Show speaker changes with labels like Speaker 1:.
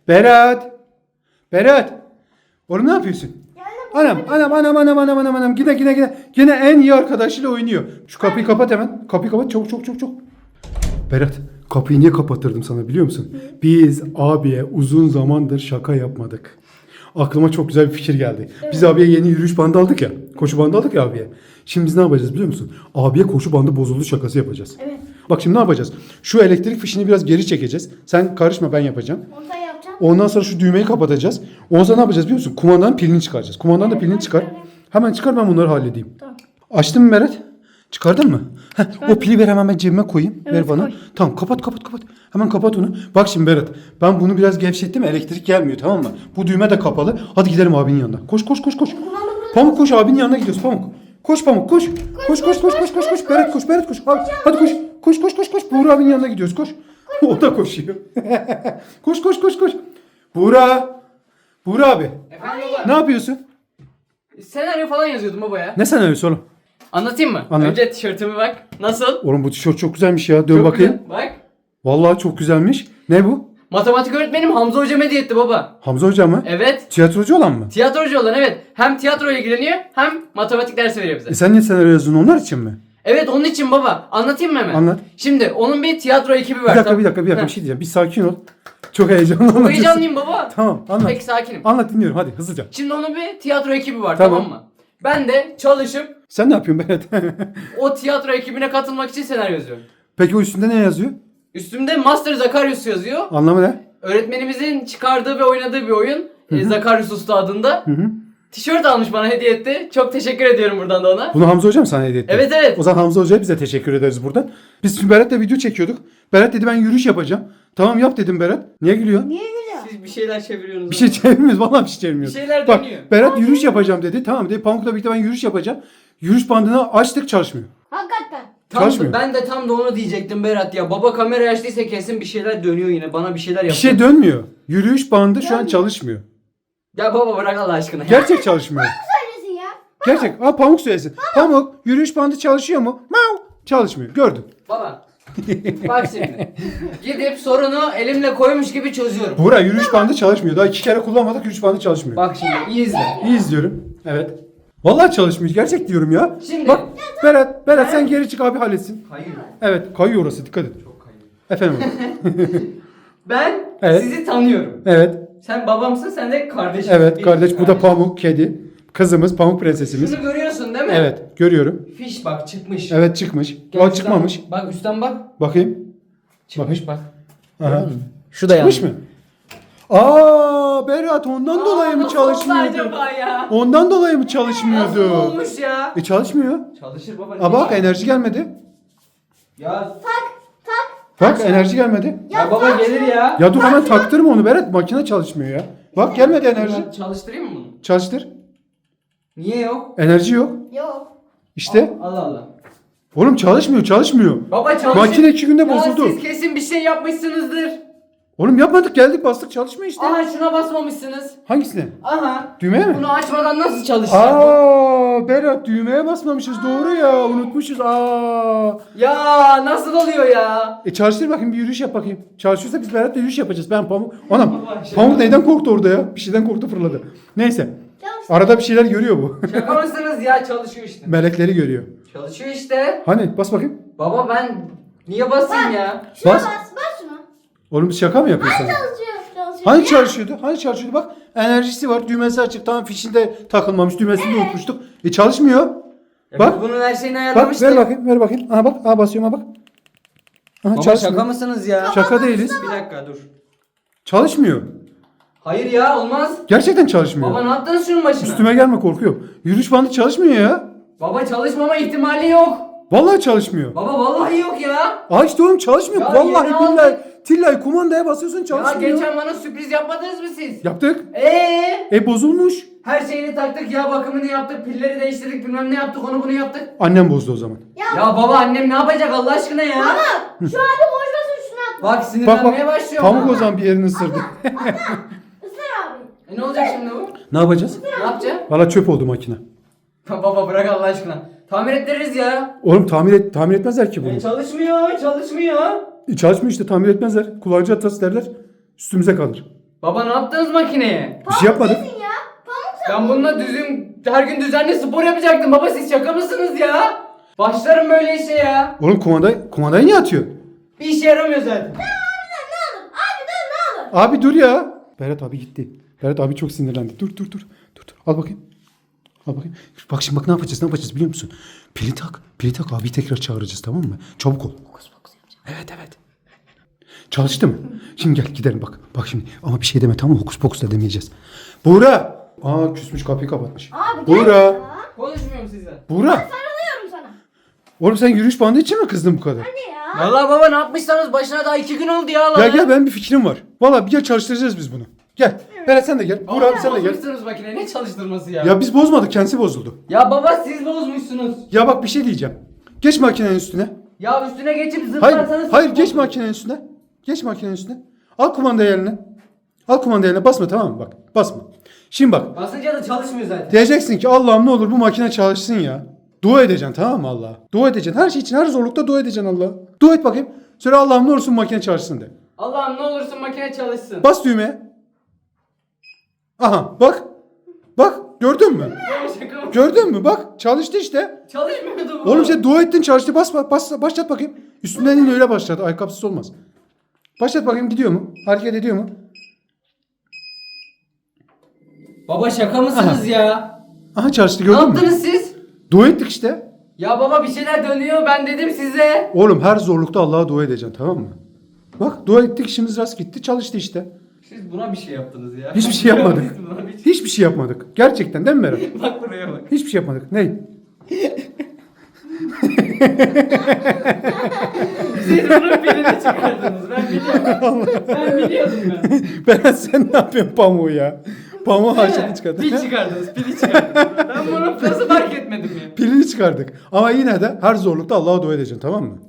Speaker 1: Berat. Berat. Oğlum ne yapıyorsun? Anam. Yine en iyi arkadaşıyla oynuyor. Şu kapıyı kapat hemen. Kapıyı kapat çok. Berat, kapıyı niye kapattırdım sana biliyor musun? Biz abiye uzun zamandır şaka yapmadık. Aklıma çok güzel bir fikir geldi. Biz abiye yeni yürüyüş bandı aldık ya. Koşu bandı aldık ya abiye. Şimdi biz ne yapacağız biliyor musun? Abiye koşu bandı bozuldu şakası yapacağız.
Speaker 2: Evet.
Speaker 1: Bak şimdi ne yapacağız? Şu elektrik fişini biraz geri çekeceğiz. Sen karışma, ben yapacağım.
Speaker 2: Onu da yapacağım.
Speaker 1: Ondan sonra şu düğmeyi kapatacağız. Ondan sonra ne yapacağız biliyor musun? Kumandanın pilini çıkaracağız. Kumandanın da pilini çıkar. Hemen çıkar, ben bunları halledeyim.
Speaker 2: Tamam.
Speaker 1: Açtın mı Berat? Çıkardın mı? O pili ver, hemen ben cebime koyayım.
Speaker 2: Evet,
Speaker 1: ver bana.
Speaker 2: koy.
Speaker 1: Tamam, kapat. Hemen kapat onu. Bak şimdi Berat, ben bunu biraz gevşettim, elektrik gelmiyor, tamam mı? Bu düğme de kapalı. Hadi gidelim abinin yanına. Koş. Pamuk koş, abinin yanına gidiyoruz Pamuk. Koş Pamuk koş. Koş. Berat koş. Hadi koş. Buğra abinin yanına gidiyoruz, koş. O da koşuyor. koş. Buğra abi.
Speaker 3: Efendim baba.
Speaker 1: Ne yapıyorsun?
Speaker 3: Senaryo falan yazıyordum baba ya.
Speaker 1: Ne senaryosu oğlum?
Speaker 3: Anlatayım mı?
Speaker 1: Anlat.
Speaker 3: Önce tişörtüme bak. Nasıl?
Speaker 1: Oğlum bu tişört çok güzelmiş ya. Dön
Speaker 3: Çok
Speaker 1: bakayım.
Speaker 3: güzel. Bak.
Speaker 1: Vallahi çok güzelmiş. Ne bu?
Speaker 3: Matematik öğretmenim Hamza hocam hediye etti baba.
Speaker 1: Hamza Hoca mı?
Speaker 3: Evet.
Speaker 1: Tiyatrocu olan mı?
Speaker 3: Tiyatrocu olan evet. Hem tiyatroyla ilgileniyor hem matematik dersi veriyor bize.
Speaker 1: Sen niye senaryo yazdın, onlar için mi?
Speaker 3: Evet onun için baba. Anlatayım mı hemen?
Speaker 1: Anlat.
Speaker 3: Şimdi onun bir tiyatro ekibi
Speaker 1: Bir
Speaker 3: var.
Speaker 1: dakika bir şey
Speaker 3: Heh.
Speaker 1: diyeceğim. Bir sakin ol. Çok heyecanlı
Speaker 3: Çok
Speaker 1: anlatıyorsun.
Speaker 3: heyecanlıyım baba.
Speaker 1: Tamam, anlat.
Speaker 3: Peki sakinim.
Speaker 1: Anlat, dinliyorum hadi hızlıca.
Speaker 3: Şimdi onun bir tiyatro ekibi var
Speaker 1: Tamam.
Speaker 3: tamam mı? Ben de çalışıp
Speaker 1: Sen ne yapıyorsun Berat?
Speaker 3: o tiyatro ekibine katılmak için senaryo yazıyorum.
Speaker 1: Peki o üstünde ne yazıyor?
Speaker 3: Üstümde Master Zakarius yazıyor.
Speaker 1: Anlamı ne?
Speaker 3: Öğretmenimizin çıkardığı ve oynadığı bir oyun. Zakarius Usta adında.
Speaker 1: Hı.
Speaker 3: Tişört almış bana hediye etti. Çok teşekkür ediyorum buradan da ona.
Speaker 1: Bunu Hamza Hoca mı sana hediye etti?
Speaker 3: Evet.
Speaker 1: O zaman Hamza Hoca'ya bize teşekkür ederiz buradan. Biz şimdi Berat'la video çekiyorduk. Berat dedi ben yürüyüş yapacağım. Tamam yap dedim Berat. Niye gülüyorsun?
Speaker 2: Niye gülüyor?
Speaker 3: Siz bir şeyler çeviriyorsunuz.
Speaker 1: Bir şey çevirmiyoruz. Vallahi bir şey çevirmiyoruz.
Speaker 3: Bir şeyler
Speaker 1: Bak
Speaker 3: dönüyor.
Speaker 1: Berat yürüyüş yapacağım dedi. Tamam dedi. Pamuk'la birlikte ben yürüyüş yapacağım. Yürüyüş bandını açtık, çalışmıyor.
Speaker 2: Hakikaten.
Speaker 1: Çalışmıyor.
Speaker 3: Ben de tam da onu diyecektim Berat ya. Baba kamera açtıysa kesin bir şeyler dönüyor yine. Bana bir şeyler
Speaker 1: Bir
Speaker 3: yapıyor.
Speaker 1: şey dönmüyor. Yürüyüş bandı şu an çalışmıyor.
Speaker 3: Ya baba bırak Allah aşkına.
Speaker 1: Gerçek çalışmıyor.
Speaker 2: Söylesin ya.
Speaker 1: Gerçek. Pamuk söylesin. Pamuk yürüyüş bandı çalışıyor mu? Mau. Çalışmıyor. Gördün.
Speaker 3: Baba. Bak şimdi. Gidip sorunu elimle koymuş gibi çözüyorum.
Speaker 1: Buğra yürüyüş bandı çalışmıyor. Daha 2 kere kullanmadık, yürüyüş bandı çalışmıyor.
Speaker 3: Bak şimdi iyi izle.
Speaker 1: İyi izliyorum. Evet. Vallahi çalışmıyor. Gerçek diyorum ya.
Speaker 3: Şimdi-
Speaker 1: Bak Berat sen geri çık, abi halletsin.
Speaker 3: Hayır.
Speaker 1: Evet, kayıyor orası, dikkat et.
Speaker 3: Çok kayıyor.
Speaker 1: Efendim.
Speaker 3: Ben
Speaker 1: Evet.
Speaker 3: sizi tanıyorum.
Speaker 1: Evet.
Speaker 3: Sen babamsın, sen de kardeşim.
Speaker 1: Evet
Speaker 3: Benim
Speaker 1: kardeş, bu da
Speaker 3: kardeşim.
Speaker 1: Pamuk kedi. Kızımız Pamuk prensesimiz.
Speaker 3: Şunu görüyorsun değil mi?
Speaker 1: Evet, görüyorum.
Speaker 3: Fiş bak çıkmış.
Speaker 1: Evet çıkmış.
Speaker 3: Gel
Speaker 1: O
Speaker 3: üstten
Speaker 1: çıkmamış.
Speaker 3: Bak üstten bak.
Speaker 1: Bakayım.
Speaker 3: Çıkmış bak.
Speaker 1: Aha.
Speaker 3: Şu da
Speaker 1: Çıkmış mı? Aa Berat, ondan dolayı mı
Speaker 3: Nasıl oldu
Speaker 1: çalışmıyordu?
Speaker 3: acaba ya?
Speaker 1: Ondan dolayı mı
Speaker 3: Nasıl
Speaker 1: çalışmıyordu?
Speaker 3: olmuş ya?
Speaker 1: Çalışmıyor.
Speaker 3: Çalışır baba.
Speaker 1: Aa bak, enerji gelmedi.
Speaker 3: Ya,
Speaker 1: Bak enerji gelmedi.
Speaker 3: ya baba gelir ya.
Speaker 1: Ya dur, hemen taktırma onu Berat, makine çalışmıyor ya. Bak gelmedi enerji.
Speaker 3: Ben çalıştırayım mı bunu?
Speaker 1: Çalıştır.
Speaker 3: Niye yok?
Speaker 1: Enerji yok.
Speaker 2: Yok.
Speaker 1: İşte.
Speaker 3: Allah Allah.
Speaker 1: Oğlum çalışmıyor.
Speaker 3: Baba çalışır.
Speaker 1: Makine 2 günde
Speaker 3: Ya
Speaker 1: bozuldu.
Speaker 3: siz kesin bir şey yapmışsınızdır.
Speaker 1: Oğlum yapmadık, geldik bastık, çalışmıyor işte.
Speaker 3: Aha şuna basmamışsınız.
Speaker 1: Hangisine?
Speaker 3: Aha.
Speaker 1: Düğmeye mi?
Speaker 3: Bunu açmadan nasıl çalışacak bu?
Speaker 1: Aa Berat, düğmeye basmamışız, doğru ya, unutmuşuz. Aa.
Speaker 3: Ya nasıl oluyor ya?
Speaker 1: Çalıştır bakayım, bir yürüyüş yap bakayım. Çalışıyorsa biz Berat'la yürüyüş yapacağız. Ben Pamuk. Anam.
Speaker 3: Baba, şey-
Speaker 1: Pamuk neyden korktu orada ya? Bir şeyden korktu, fırladı. Neyse.
Speaker 2: Çalış.
Speaker 1: Arada bir şeyler görüyor bu.
Speaker 3: Şaka mısınız ya, çalışıyor işte.
Speaker 1: Melekleri görüyor.
Speaker 3: Çalışıyor işte.
Speaker 1: Hani bas bakayım.
Speaker 3: Baba ben niye basayım ya?
Speaker 2: Şuna
Speaker 1: Bas.
Speaker 2: bas şuna.
Speaker 1: Oğlum biz şaka mı yapıyorsun?
Speaker 2: Çalışıyor.
Speaker 1: Hani çalışıyordu? Hani çalışıyordu? Bak enerjisi var. Düğmesi açık. Tamam, fişinde takılmamış. Düğmesini de unutmuştuk. Çalışmıyor.
Speaker 3: Ya
Speaker 1: Bak.
Speaker 3: biz bunun her şeyini
Speaker 1: Bak
Speaker 3: ayarlamıştık.
Speaker 1: ver bakayım. Aha bak. Aha basıyorum, aha bak. Aha
Speaker 3: Baba
Speaker 1: çalışmıyor.
Speaker 3: şaka mısınız ya?
Speaker 1: Şaka değiliz.
Speaker 3: Bir dakika dur.
Speaker 1: Çalışmıyor.
Speaker 3: Hayır ya olmaz.
Speaker 1: Gerçekten çalışmıyor.
Speaker 3: Baba ne yaptınız şunun başına?
Speaker 1: Üstüme gelme, korkuyorum. Yürüyüş bandı çalışmıyor ya.
Speaker 3: Baba çalışmama ihtimali yok.
Speaker 1: Vallahi çalışmıyor.
Speaker 3: Baba vallahi yok ya.
Speaker 1: Aa işte oğlum çalışmıyor.
Speaker 3: Ya
Speaker 1: Vallahi
Speaker 3: yeni
Speaker 1: billahi.
Speaker 3: aldık.
Speaker 1: Tillay kumandaya basıyorsun,
Speaker 3: Ya
Speaker 1: çalışmıyor.
Speaker 3: geçen bana sürpriz yapmadınız mı siz?
Speaker 1: Yaptık. Bozulmuş.
Speaker 3: Her şeyini taktık ya, bakımını yaptık, pilleri değiştirdik, bilmem ne yaptık, onu bunu yaptık.
Speaker 1: Annem bozdu o zaman.
Speaker 3: Ya baba annem ne yapacak Allah aşkına ya?
Speaker 2: Şu halde boşmasın şuna at.
Speaker 3: Bak
Speaker 1: Bak
Speaker 3: sinirlenmeye
Speaker 1: bak.
Speaker 3: başlıyor.
Speaker 1: Pamuk o zaman bir yerini ısırdı.
Speaker 2: Isır abi.
Speaker 3: Ne olacak şimdi bu?
Speaker 1: Ne yapacağız?
Speaker 3: Ne yapacağız?
Speaker 1: Valla çöp oldu makine.
Speaker 3: Baba bırak Allah aşkına. Tamir ettiririz ya.
Speaker 1: Oğlum tamir etmezler ki bunu.
Speaker 3: Çalışmıyor.
Speaker 1: Çalışmıyor işte, tamir etmezler. Kullanıcı hatası derler. Üstümüze kalır.
Speaker 3: Baba ne yaptınız makineye?
Speaker 1: Bir şey yapmadık.
Speaker 2: Nesin ya? Pamuk
Speaker 3: Ben bununla her gün düzenli spor yapacaktım. Baba siz şaka mısınız ya? Başlarım böyle işe ya.
Speaker 1: Oğlum kumandayı niye atıyorsun?
Speaker 3: Bir işe yaramıyor zaten.
Speaker 2: ne olur? Abi dur ne olur?
Speaker 1: Abi dur ya. Berat abi gitti. Berat abi çok sinirlendi. Dur. Al bakayım. Al bakayım. Bak şimdi bak ne yapacağız biliyor musun? Pili tak abi tekrar çağıracağız tamam mı? Çabuk ol. Evet. Çalıştı mı? Şimdi gel gidelim bak. Bak şimdi ama bir şey deme tamam mı? Hokus pokus da demeyeceğiz. Buğra. Aa küsmüş kapıyı kapatmış.
Speaker 2: Abi gel
Speaker 1: Buğra.
Speaker 2: ya.
Speaker 3: Konuşmuyorum sizle.
Speaker 1: Buğra.
Speaker 2: Sarılıyorum sana.
Speaker 1: Oğlum sen yürüyüş bandı için mi kızdın bu kadar?
Speaker 2: Hadi ya.
Speaker 3: Vallahi baba ne yapmışsanız başına daha 2 gün oldu ya.
Speaker 1: Ya gel benim bir fikrim var. Valla bir gel çalıştıracağız biz bunu. Gel. Berat sen de gel. Buğra abi sen de gel.
Speaker 3: Bozmuşsunuz makine ne çalıştırması ya?
Speaker 1: Ya biz bozmadık kendisi bozuldu.
Speaker 3: Ya baba siz bozmuşsunuz.
Speaker 1: Ya bak bir şey diyeceğim. Geç makinenin üstüne.
Speaker 3: Ya üstüne geçip
Speaker 1: Hayır,
Speaker 3: zıplarsanız...
Speaker 1: hayır geç makinenin üstüne. Geç makinenin üstüne. Al kumandayı eline. Al kumandayı eline basma tamam mı? Bak basma. Şimdi bak.
Speaker 3: Basınca da çalışmıyor zaten.
Speaker 1: Diyeceksin ki Allah'ım ne olur bu makine çalışsın ya. Dua edeceksin tamam mı Allah'a? Dua edeceksin. Her şey için her zorlukta dua edeceksin Allah'a. Dua et bakayım. Söyle Allah'ım ne olursun makine çalışsın de.
Speaker 3: Allah'ım ne olursun makine çalışsın.
Speaker 1: Bas düğmeye. Aha bak. Bak gördün mü?
Speaker 3: Baba şaka mı?
Speaker 1: Gördün mü? Bak çalıştı işte.
Speaker 3: Çalışmıyordu bu.
Speaker 1: Oğlum sen dua ettin çalıştı. Başlat bakayım. Üstünden in öyle başlat. Ayakkabısız olmaz. Başlat bakayım gidiyor mu? Hareket ediyor mu?
Speaker 3: Baba şaka mısınız ya?
Speaker 1: Aha çalıştı
Speaker 3: Ne
Speaker 1: gördün mü?
Speaker 3: yaptınız siz?
Speaker 1: Dua ettik işte.
Speaker 3: Ya baba bir şeyler dönüyor ben dedim size.
Speaker 1: Oğlum her zorlukta Allah'a dua edeceksin tamam mı? Bak dua ettik işimiz rast gitti çalıştı işte.
Speaker 3: Siz buna bir şey yaptınız ya.
Speaker 1: Hiçbir şey yapmadık.
Speaker 3: Siz buna bir şey-
Speaker 1: Hiçbir şey yapmadık. Gerçekten değil mi Berat?
Speaker 3: Bak buraya bak.
Speaker 1: Hiçbir şey yapmadık. Ney?
Speaker 3: Siz bunun pilini çıkardınız ben biliyorum. Ben biliyordum ben.
Speaker 1: Berat sen ne yapıyorsun pamuğu ya? Pamuğu haşını çıkardın.
Speaker 3: Pil çıkardınız pili çıkardınız. Ben bunu nasıl fark etmedim ya.
Speaker 1: Pilini çıkardık. Ama yine de her zorlukta Allah'a dua edeceksin tamam mı?